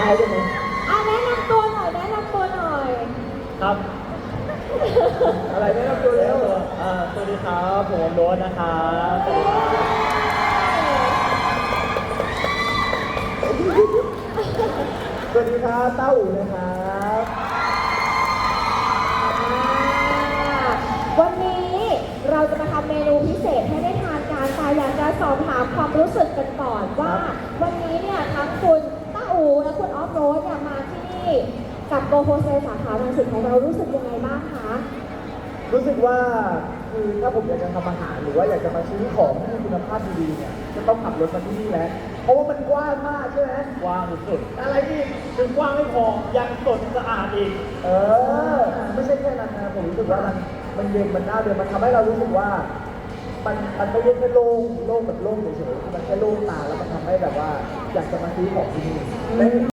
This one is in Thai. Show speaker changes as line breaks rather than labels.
ายได้ไหม
แนะนำตัวหน่อยแนะนำตัวหน่อย
ครับ
อะไรแนะนำตัวเร็ว
สวัสดีครับผมโรสนะครับสวัสดีครับ
สวัสดีครับเต้าอู๋นะครับ
วันนี้เราจะมาทำเมนูพิเศษให้ได้ทานกันแต่อยากจะสอบถามความรู้สึกกันก่อนว่า วันนี้เนี่ยทั้งคุณต้าอูและคุณออฟโรดเนี่ยมาที่นี่กับโกโฮเซสาขารังสิตของเรารู้สึกยังไงบ้างคะ
รู้สึกว่าคือถ้าผมอยากจะทำอาหารหรือว่าอยากจะมาซื้อของที่มีคุณภาพดีๆเนี่ยจะต้องขับรถมาที่นี่แล้วเพราะว่ามันกว้างมากใช่ไหม
กว้างสุด
อะไรอีก
ๆถึงกว้างไม่พอยังสดสะอาดอีก
ไม่ใช่แค่นั้นนะผมรู้สึกว่ามันเย็นมันน่าเดินมันทำให้เรารู้สึกว่า มันไม่ใช่แค่โล่งแบบโล่งเฉยๆมันแค่โล่งตาแล้วมันทำให้แบบว่าอยากจะมาซื้อของที่นี่